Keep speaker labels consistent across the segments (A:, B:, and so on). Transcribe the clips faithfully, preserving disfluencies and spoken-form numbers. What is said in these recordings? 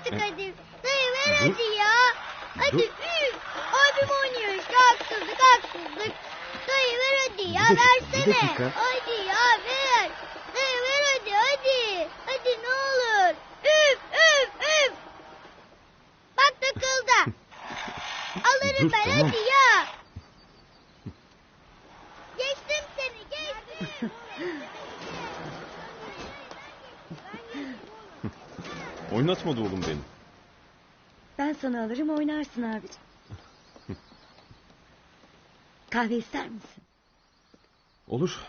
A: artık hadi. Dayı ver hadi ya. Hadi üf. Abim oynuyor işte haksızlık haksızlık. Dayı ver hadi ya
B: Bir dakika,
A: versene.
B: bir dakika.
A: Hadi ya ver. Dayı ver hadi hadi. Hadi ne olur. Üf üf üf. Bak takıldı. Alırım
B: Dur,
A: ben
B: tamam.
A: hadi ya. Geçtim seni geçtim.
B: Oynatmadı oğlum beni.
C: Ben sana alırım oynarsın abicim. Kahve ister misin?
B: Olur.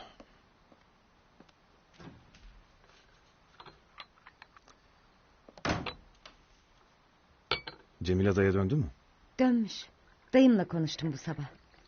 B: Cemile daya döndü mü?
C: Dönmüş. Dayımla konuştum bu sabah.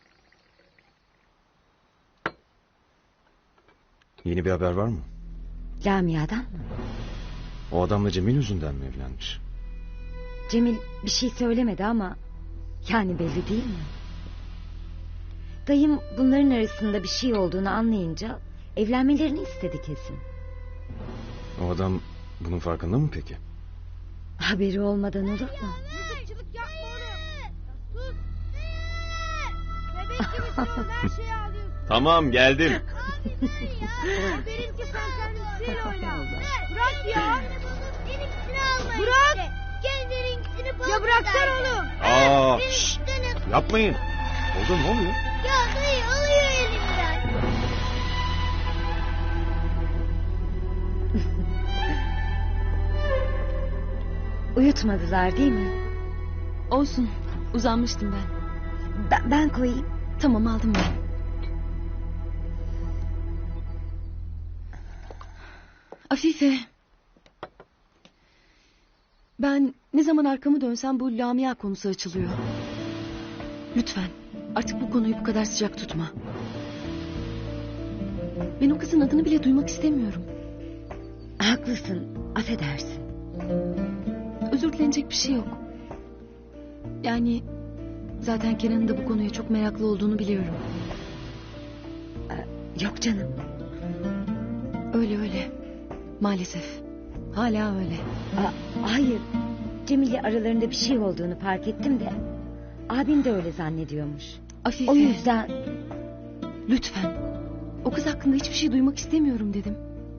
B: Yeni bir haber var mı?
C: Lamia'dan mı?
B: O adamla Cemil yüzünden mi evlenmiş?
C: Cemil bir şey söylemedi ama... Yani belli değil mi? Dayım bunların arasında bir şey olduğunu anlayınca... Evlenmelerini istedi kesin.
B: O adam bunun farkında mı peki?
C: Haberi olmadan olur mu?
A: Mızıkçılık yapma oğlum. Sus. Bebek gibisin her şeyi alıyorsun.
B: Tamam, geldim.
A: Haberim ki sen kendisi oyna. Bırak ya. Benimkisini alma Bırak. Işte. Kendininkisini bul. Ya bıraksan oğlum.
B: Aa,
A: Benim
B: şşt,
A: üstüne-
B: yapmayın. Oldu, ne oluyor?
A: Ya dayı alıyor elimden.
C: Uyutmadılar değil mi?
D: Olsun. Uzanmıştım ben.
C: Ben, ben koyayım.
D: Tamam aldım ben. Afife. Ben ne zaman arkamı dönsem bu Lamia konusu açılıyor. Lütfen artık bu konuyu bu kadar sıcak tutma. Ben o kızın adını bile duymak istemiyorum.
C: Haklısın. Affedersin.
D: Özür dilenecek bir şey yok. Yani zaten Kenan'ın da bu konuya çok meraklı olduğunu biliyorum.
C: Yok canım.
D: Öyle öyle. Maalesef. Hala öyle.
C: Aa, hayır. Cemil'le aralarında bir şey olduğunu fark ettim de... Abim de öyle zannediyormuş.
D: Afife.
C: O yüzden...
D: Lütfen. O kız hakkında hiçbir şey duymak istemiyorum dedim.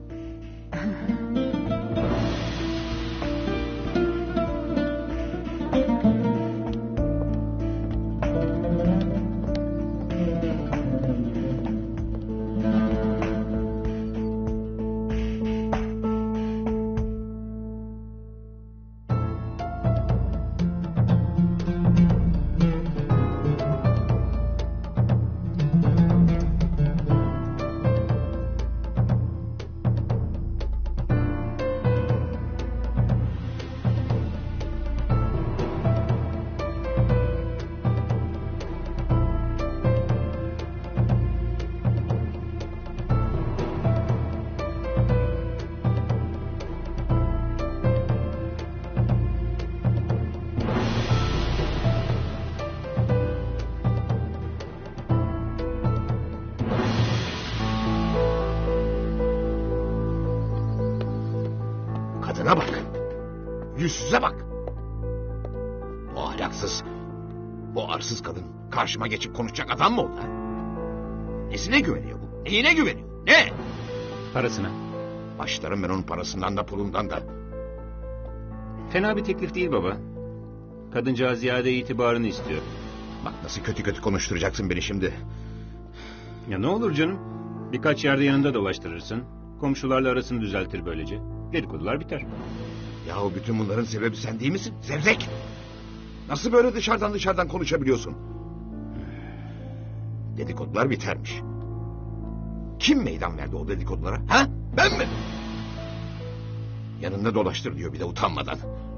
E: Kadına bak. Yüzsüze bak. Bu ahlaksız, bu arsız kadın karşıma geçip konuşacak adam mı o da? Nesine güveniyor bu? Neyine güveniyor? Ne?
F: Parasına.
E: Başlarım ben onun parasından da pulundan da.
F: Fena bir teklif değil baba. Kadıncağız ziyade itibarını istiyor.
E: Bak nasıl kötü kötü konuşturacaksın beni şimdi.
F: Ya ne olur canım? Birkaç yerde yanında dolaştırırsın. Komşularla arasını düzeltir böylece. Dedikodular biter.
E: Yahu bütün bunların sebebi sen değil misin? Zevzek! Nasıl böyle dışarıdan dışarıdan konuşabiliyorsun? Dedikodular bitermiş. Kim meydan verdi o dedikodulara? Ha? Ben mi? Yanında dolaştır diyor bir de utanmadan.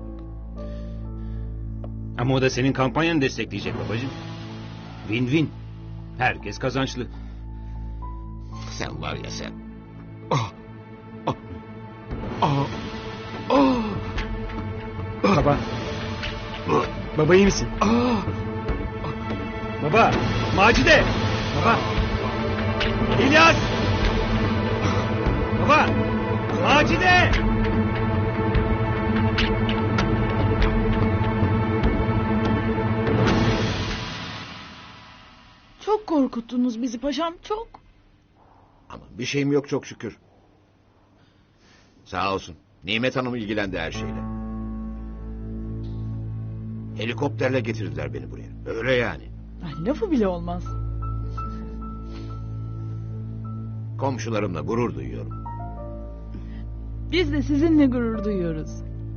F: Ama o da senin kampanyanı destekleyecek babacığım. Win win. Herkes kazançlı.
E: Sen var ya sen. Ah! Ah! Ah! Ah!
F: Baba. Baba iyi misin?
E: Ah!
F: Baba. Macide. Baba. İlyas. Baba. Macide.
G: korkuttunuz bizi paşam, çok.
E: Ama bir şeyim yok çok şükür. Sağ olsun. Nimet Hanım ilgilendi her şeyle. Helikopterle getirdiler beni buraya. Öyle yani.
G: Ay, lafı bile olmaz.
E: Komşularımla gurur duyuyorum.
G: Biz de sizinle gurur duyuyoruz.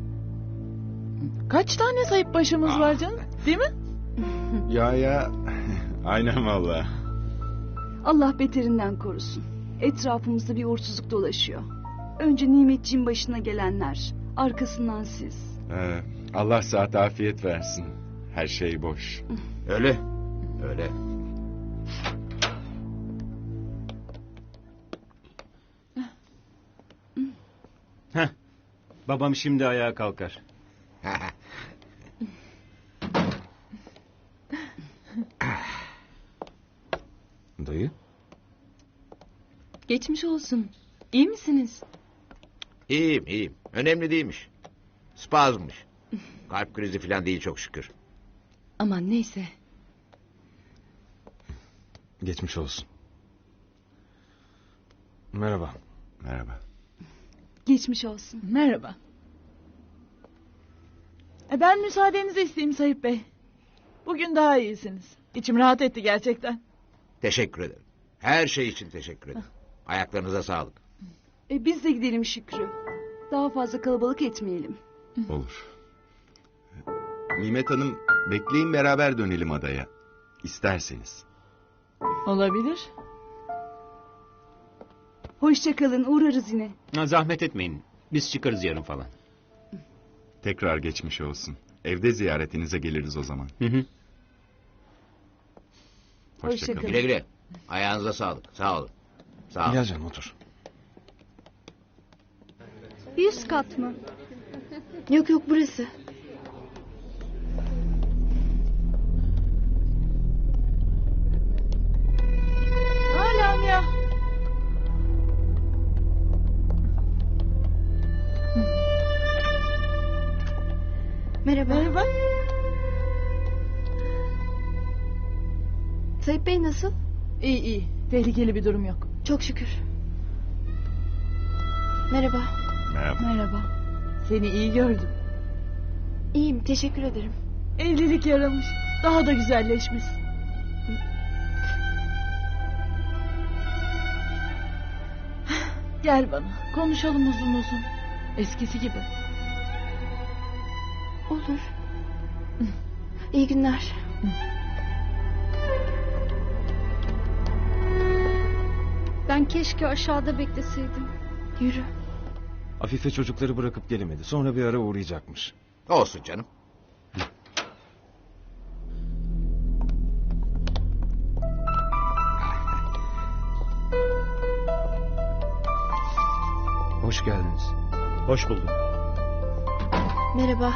G: Kaç tane sayıp başımız
E: Aa.
G: var canım, değil mi?
B: Ya ya. Aynen valla.
H: Allah beterinden korusun. Etrafımızda bir uğursuzluk dolaşıyor. Önce Nimetciğin başına gelenler, arkasından siz.
B: Ee, Allah saat afiyet versin. Her şey boş.
E: Öyle. Öyle.
F: Heh. Babam şimdi ayağa kalkar.
B: Dayı.
D: Geçmiş olsun. İyi misiniz?
E: İyiyim iyiyim. Önemli değilmiş. Spazmış. Kalp krizi falan değil çok şükür.
D: Aman neyse.
B: Geçmiş olsun. Merhaba. Merhaba.
H: Geçmiş olsun.
G: Merhaba. E ben müsaadenizi isteyeyim Sayıp Bey. Bugün daha iyisiniz. İçim rahat etti gerçekten.
E: Teşekkür ederim. Her şey için teşekkür ederim. Ayaklarınıza sağlık.
H: E biz de gidelim Şükrü. Daha fazla kalabalık etmeyelim.
I: Olur. Nimet Hanım, bekleyin beraber dönelim adaya. İsterseniz.
G: Olabilir.
H: Hoşça kalın, uğrarız yine.
F: Ha, zahmet etmeyin. Biz çıkarız yarın falan.
I: Tekrar geçmiş olsun. Evde ziyaretinize geliriz o zaman.
F: Hı hı.
I: Hoşça
H: Hoşça
I: kalın.
H: kalın.
E: Güle güle. Ayağınıza sağlık. Sağ olun. Sağ olun.
B: Gel canım otur.
H: Yüz kat mı? Yok yok, burası.
G: Hala ya.
H: Merhaba.
G: Merhaba.
H: Sayıp Bey nasıl?
G: İyi iyi. Tehlikeli bir durum yok.
H: Çok şükür. Merhaba.
I: Merhaba.
G: Merhaba. Seni iyi gördüm.
H: İyiyim, teşekkür ederim.
G: Evlilik yaramış. Daha da güzelleşmiş. Gel bana. Konuşalım uzun uzun. Eskisi gibi.
H: Olur. İyi günler. Ben keşke aşağıda bekleseydim. Yürü.
B: Afife çocukları bırakıp gelemedi. Sonra bir ara uğrayacakmış.
E: Olsun canım.
B: Hoş geldiniz.
J: Hoş bulduk.
H: Merhaba.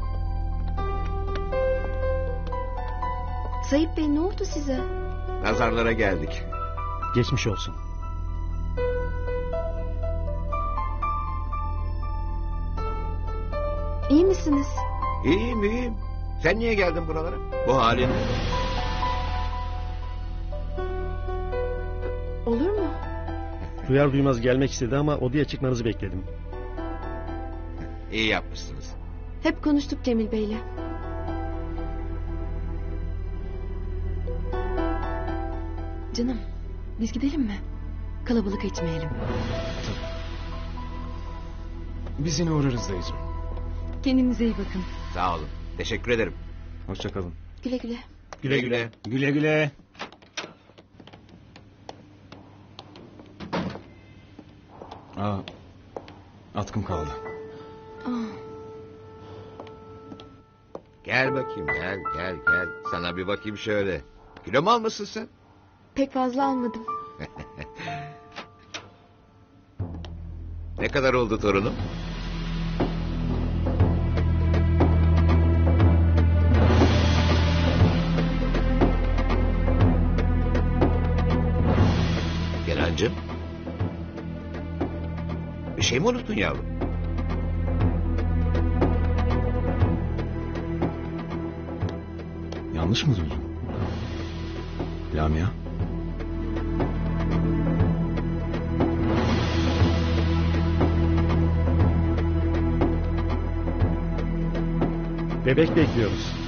H: Sayıp Bey, ne oldu size?
E: Nazarlara geldik.
J: Geçmiş olsun.
H: İyi misiniz?
E: İyiyim iyiyim. Sen niye geldin buralara? Bu halin.
H: Olur mu?
J: Duyar duymaz gelmek istedi ama odaya çıkmanızı bekledim.
E: İyi yapmışsınız.
H: Hep konuştuk Cemil Bey'le.
D: Canım biz gidelim mi? Kalabalık etmeyelim.
B: Biz yine uğrarız dayıcığım.
D: Kendinize iyi bakın.
E: Sağ olun. Teşekkür ederim.
B: Hoşça kalın.
H: Güle güle.
E: Güle güle.
F: Güle güle.
B: Aa, atkım kaldı.
E: Gel bakayım gel gel gel. Sana bir bakayım şöyle. Kilo mu almışsın sen?
H: Pek fazla almadım.
E: Ne kadar oldu torunum? Kenancığım. Bir şey mi unuttun yavrum?
B: Yanlış mı duydum? Lamia.
J: Bebek bekliyoruz.